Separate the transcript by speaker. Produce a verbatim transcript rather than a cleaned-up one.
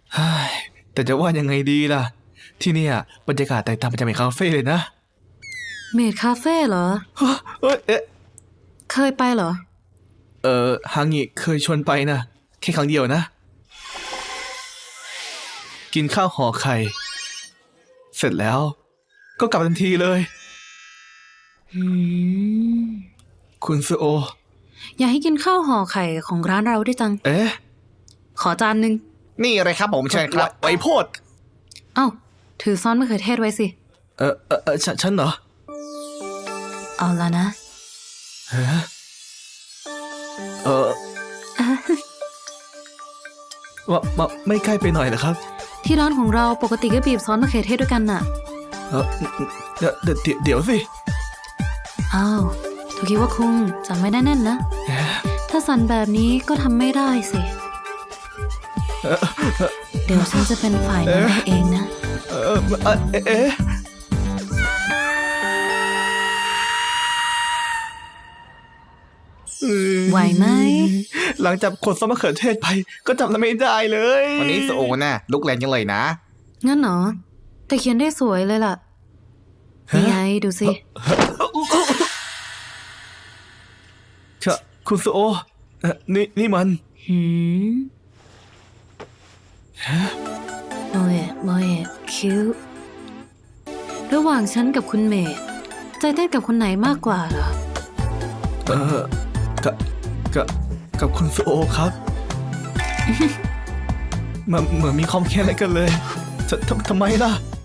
Speaker 1: แต่จะว่ายังไงดีล่ะที่เนี่ยบรรยากาศแตกต่างไปจากเมดคาเฟ่เลยนะ
Speaker 2: เมดคาเฟ่เหรอ
Speaker 1: เอ้ยเอ๊ะ
Speaker 2: เคยไปเหรอ
Speaker 1: เออฮางิเคยชวนไปนะแค่ครั้งเดียวนะกินข้าวห่อไข่เสร็จแล้วก็กลับทันทีเลย
Speaker 2: อืม
Speaker 1: คุณซูโอ
Speaker 2: อยากให้กินข้าวห่อไข่ของร้านเราด้วยจัง
Speaker 1: เอ๊ะ
Speaker 2: ขอจานหนึ่ง
Speaker 3: นี่อะไรครับผมเชิญครับ
Speaker 1: ไว้โพด
Speaker 2: เอ้าถือซ้อนมะเขือเทศไว้สิ
Speaker 1: เออเออเออฉันฉันเหรอ
Speaker 2: เอาละนะ
Speaker 1: เฮ้เออว่ามาไม่ใกล้ไปหน่อยเหรอครับ
Speaker 2: ที่ร้านของเราปกติก็บีบซอสมะเขือเทศด้วยกันน่ะ
Speaker 1: เออเดี๋ยวเดี๋ยวเดี๋ยวสิ
Speaker 2: อ้าวถูกคิดว่าคุงจำไม่ได้แน่นนะถ้าสั่นแบบนี้ก็ทำไม่ได้สิเดี๋ยวฉันจะเป็นฝ่ายนั้นให้เองนะ
Speaker 1: เออเอ๊ะ
Speaker 2: ไหวไหม
Speaker 1: หลังจากขนซอสมะเขือเทศไปก็จำไม่ได้เลย
Speaker 3: วันนี้โซโอน่ะลุกแรงจังเลยนะ
Speaker 2: งั้นเหรอแต่เขียนได้สวยเลยล่ะนี่ไงดูสิ
Speaker 1: คุณซูโอนี่นี่มัน
Speaker 2: หืมโมเอะโมเอะคิวระหว่างฉันกับคุณเมย์ใจเต้นกับคนไหนมากกว่าเหรอ
Speaker 1: เออกับกับกับคุณซูโอครับมันเหมือนมีความแค้นอะไรกันเลยทำทำไมล่ะ